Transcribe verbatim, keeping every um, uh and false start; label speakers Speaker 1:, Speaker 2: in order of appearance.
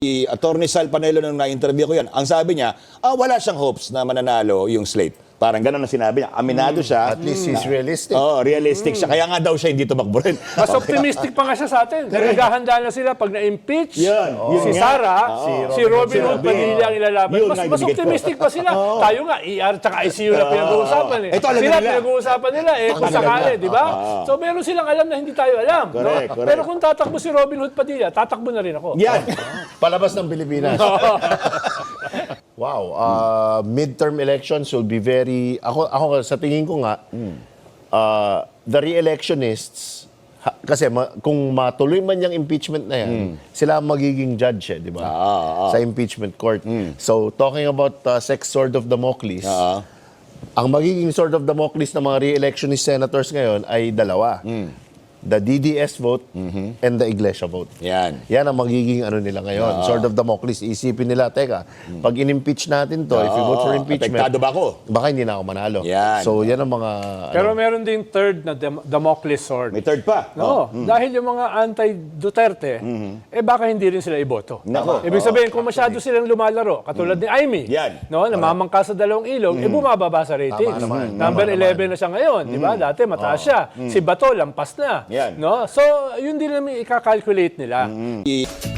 Speaker 1: Si Attorney Sal Panelo nung na-interview ko yan, ang sabi niya, ah, wala siyang hopes na mananalo yung slate. Parang ganun ang sinabi niya. Aminado siya.
Speaker 2: At least he's realistic.
Speaker 1: Oo, realistic siya. Kaya nga daw siya hindi tumakbo rin.
Speaker 3: Mas optimistic pa nga siya sa atin. Naghahanda na sila pag na-impeach
Speaker 1: Yun, yun
Speaker 3: si
Speaker 1: nga.
Speaker 3: Sara,
Speaker 1: Oo.
Speaker 3: si Robin Hood
Speaker 1: Sabi,
Speaker 3: Padilla ang ilalaban.
Speaker 1: yun
Speaker 3: Mas,
Speaker 1: nga
Speaker 3: mas
Speaker 1: ibigay ko.
Speaker 3: optimistic pa sila. Tayo nga, E R tsaka I C U na pinag-uusapan eh.
Speaker 1: Ito, alam
Speaker 3: Sila
Speaker 1: nila.
Speaker 3: pinag-uusapan nila eh, kung sakali, di ba? So meron silang alam na hindi tayo alam. no?
Speaker 1: Correct, correct.
Speaker 3: Pero kung tatakbo si Robin Hood Padilla, tatakbo na rin ako.
Speaker 1: Yan.
Speaker 2: Palabas ng Pilipinas. Wow. Uh, midterm elections will be very... Ako, ako sa tingin ko nga, uh, the re-electionists, ha, kasi ma, kung matuloy man yung impeachment na yan, sila ang magiging judge, eh, di ba? Sa impeachment court. So, talking about uh, sex sword of Damocles,
Speaker 1: Oo.
Speaker 2: ang magiging sword of Damocles ng mga re-electionist senators ngayon ay dalawa. The D D S vote and the Iglesia vote.
Speaker 1: Yan.
Speaker 2: Yan ang magiging ano nila ngayon. Sword of Damocles. Isipin nila, teka, pag in-impeach natin to, if you vote for
Speaker 1: Oo,
Speaker 2: impeachment,
Speaker 1: apektado ba ako?
Speaker 2: baka hindi na ako manalo.
Speaker 1: Yan.
Speaker 2: So, yan ang mga...
Speaker 3: Pero
Speaker 2: ano,
Speaker 3: meron ding third na Dam- Damocles sword.
Speaker 1: May third pa.
Speaker 3: No, dahil yung mga anti-Duterte, eh baka hindi rin sila iboto.
Speaker 1: Nako.
Speaker 3: Ibig sabihin, kung masyado silang lumalaro, katulad ni Amy,
Speaker 1: Yan.
Speaker 3: no, namamangka sa dalawang ilog, eh bumababa sa ratings.
Speaker 2: Tama naman.
Speaker 3: Number
Speaker 2: Tama
Speaker 3: eleven na siya ngayon, di ba? Dati mataas siya. Si Bato, lampas na.
Speaker 1: Yan.
Speaker 3: No? So, yun din naman ikakalculate nila.
Speaker 1: I-